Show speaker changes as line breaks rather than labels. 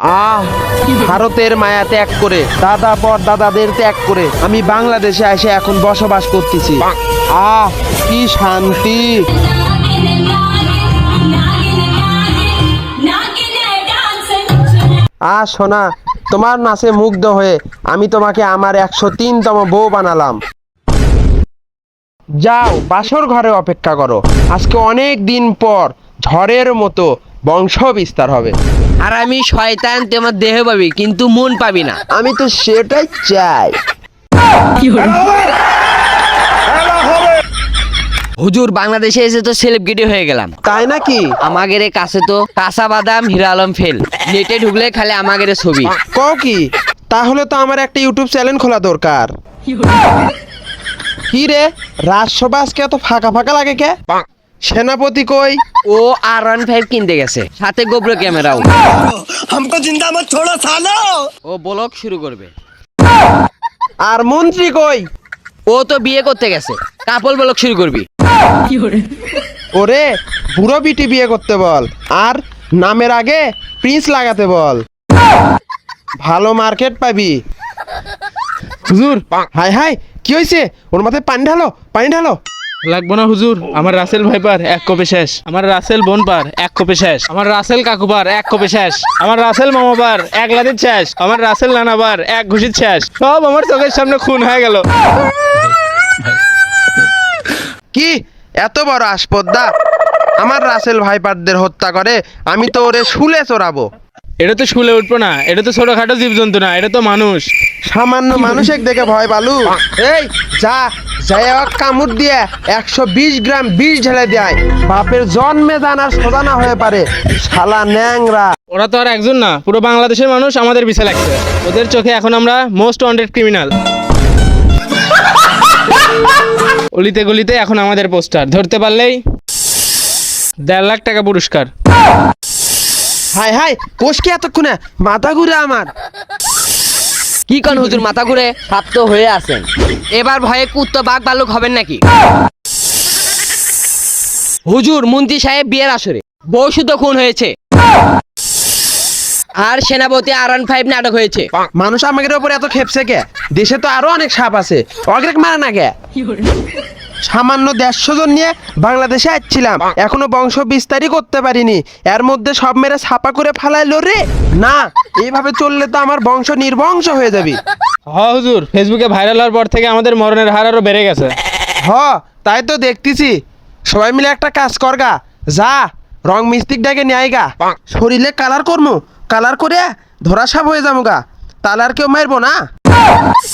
ভারতের মায়া ত্যাগ করে, দাদা পর দাদাদের ত্যাগ করে আমি বাংলাদেশে এসে এখন বসবাস করতেছি। কি শান্তি। সোনা, তোমার নাচে মুগ্ধ হয়ে আমি তোমাকে আমার 103তম বউ বানালাম। যাও বাসর ঘরে অপেক্ষা করো, আজকে অনেক দিন পর ঝড়ের মতো বংশ বিস্তার হবে।
আর আমি শয়তান, তোমার দেহ পাবি কিন্তু মন পাবি না।
আমি তো সেটাই চাই।
হুজুর, বাংলাদেশে এসে তো সেলিব্রিটি হয়ে গেলাম।
তাই নাকি?
আমাদের কাছে তো কাঁচা বাদাম, হিরা আলম ফেল। নেটে ঢুকলে খালি আমাদের ছবি।
কও কি? তাহলে তো আমার একটা ইউটিউব চ্যানেল খোলা দরকার। কি রে, রাজসভা আজকে এত ফাঁকা ফাঁকা লাগে কে? সেনাপতি কই?
ও R15 কিনতে গেছে, সাথে গোপ্র ক্যামেরাও।
हमको जिंदा मत छोड़ो सालो।
ও ব্লগ শুরু করবে।
আর মন্ত্রী কই?
ও তো বিয়ে করতে গেছে, কাপল ব্লগ শুরু করবি।
ওরে বুড়ো বিটি বিয়ে করতে বল, আর নামের আগে প্রিন্স লাগাতে বল, ভালো মার্কেট পাবি।
হুজুর,
হাই হাই, কি হয়েছে? ওর মাথায় পানি ঢালো, পানি ঢালো।
লাগবো না হুজুর, আমার রাসেল ভাইপার এক কোপে শেষ, আমার রাসেল বোন পার এক কোপে শেষ, আমার রাসেল কাকুবার এক কোপে শেষ, আমার রাসেল মামাবার এক লাদির শেষ, আমার রাসেল নানাবার এক ঘুষির শেষ। সব আমার চোখের সামনে খুন হয়ে গেল।
কি এত বড় আসপদ্দা আমার রাসেল ভাইপারদের হত্যা করে? আমি তো ওরে শুলে চড়াবো।
এটা তো শুলে উঠবো না, এটা তো ছোটখাটো জীবজন্তু না, এটা তো মানুষ।
সামান্য মানুষের দেখে ভয় পালু? এই যা যাই কামড় দিয়ে 120 গ্রাম বিষ ঢেলে দেয়, বাপের জন্মে জানার সোদানা হয়ে পারে শালা ন্যাংরা।
ওরা তো আর একজন না, পুরো বাংলাদেশের মানুষ আমাদের পিছে লাগছে। ওদের চোখে এখন আমরা মোস্ট ওয়ান্টেড ক্রিমিনাল। অলিতে গলিতে এখন আমাদের পোস্টার, ধরতে পারলেই 1.5 লাখ টাকা পুরস্কার।
হাই হাই, কোষ কি এতক্ষণে মাথা ঘুরে আমার।
কি কোন হুজুর, মাথা ঘুরে সাপ্ত হয়ে আছেন? এবার ভয়ে কুত্তা বাঘ ভাল্লুক হবেন নাকি? হুজুর, মন্ত্রী সাহেব বিয়ের আসরে বউ শুদ্ধ খুন হয়েছে, আর সেনাপতি R15 নাটক হয়েছে।
মানুষ আমাদের উপর এত খেপছে কে? দেশে তো আরো অনেক সাপ আছে, অগ্রেক মারা না কে? সামান্য 150 জন নিয়ে বাংলাদেশে আসছিলাম, এখনো বংশ বিস্তারই করতে পারিনি, এর মধ্যে সব মেরে ছাপা করে ফালাইলো রে। না, এইভাবে চললে তো আমার বংশ নির্বংশ হয়ে যাবে।
হুজুর, ফেসবুকে ভাইরাল হওয়ার পর থেকে আমাদের মরণের হার আরো বেড়ে গেছে।
তাই তো দেখতেছি। সবাই মিলে একটা কাজ করগা, যা রং মিস্ত্রিক ডাকে নিয়ে আইগা, শরীরে কালার করমু, কালার করে ধরা সাপ হয়ে যাবো গা, তাহলে আর কেউ মারবো না।